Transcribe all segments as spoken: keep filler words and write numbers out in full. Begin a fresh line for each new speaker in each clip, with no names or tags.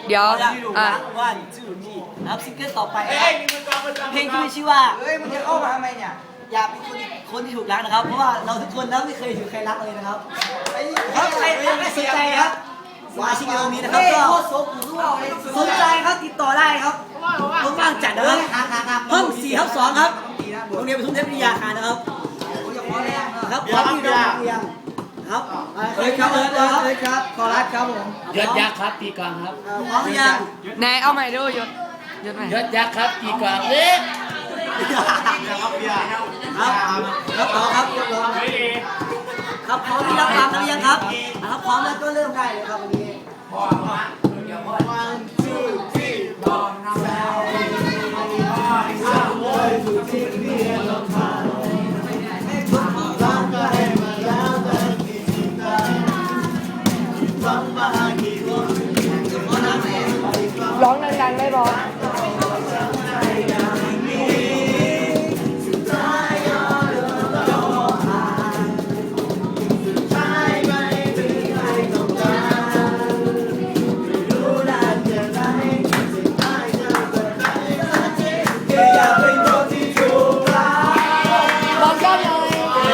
เดี๋ยวอ่ะ
วันจูที่นะครับซิงเกิลต่อไปเพลงที่มีชื่อว่า
เฮ้ยมึงจะเข้ามาทำไมเนี่ย
อยากเป็นคนคนที่ถูกรักนะครับ เพราะว่าเราทุกคนนะไม่เคยถูกใครรักเลยนะครับครับใครไม่สนใจครับสมาชิกในวงนี้นะครับก็สนใจครับติดต่อได้ครับผมว่างจัดนะครับห้องสี่ทับสองครับโรงเรียนปทุมเทพวิทยาคารนะครับครับพร้อมที่เราเรียนครับ
เฮ้ยครับเฮ้ยครับเฮ้ยครับขอรัดครับผม
ยศยักษ์ครับตีกลองครับ
พร้อมหรือยัง
ไหนเอาใหม่ดูยศยศใหม่
ยศยักษ์ครับตีกลองเอ๊ะ
ครับครับต่อครับยกลงครับพร้อมที่รับฟังกันหรือยังครับครับพร้อมแล้วก็เริ่มได้เลยครับวันนี้
ร้องดังๆได้บอมองกล้องหน่อย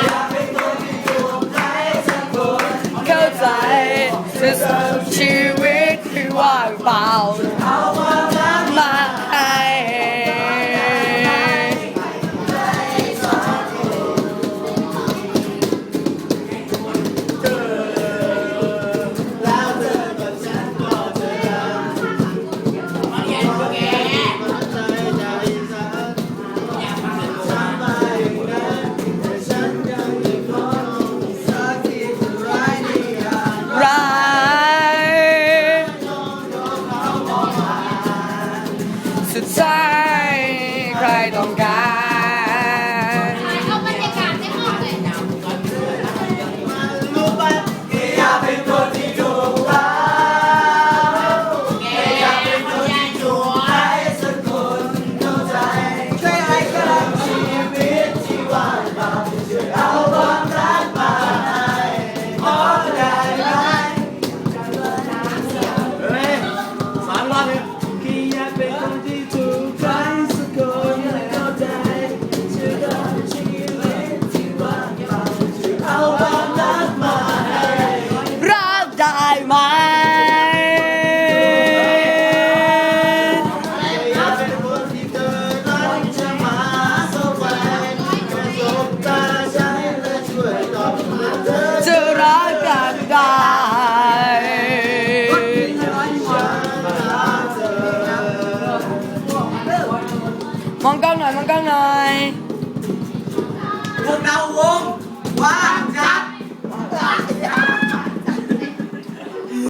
เข้าใจชีวิตที่ว่างเปล่ามาให้ร้ายสุดท้ายใครต้องการ
เอาบรรยากาศในห้องเลยนะ
อยากเป็นคนที่ถูกรักอยากเป็นคนที่ถูกใครสักคนเข้าใจช่วยให้กับชีวิตที่ว่างเปล่าช่วยเอาความรักมาให้ขอได้ไหม
สามรอบเนี่ยคืออยากเป็นคนที่ถูกใครสักคนเข้าใจช่วยกับชีวิตที่ว่างเปล่าช่วยเอาความรักมาให้
รักได้ไหม
อยากเป็นคนที่เธอนั้นจะมาสบายสบตาฉันและช่วยตอบเธอ
จะรักกันได้ มองกล้องหน่อย มองกล้องหน่อย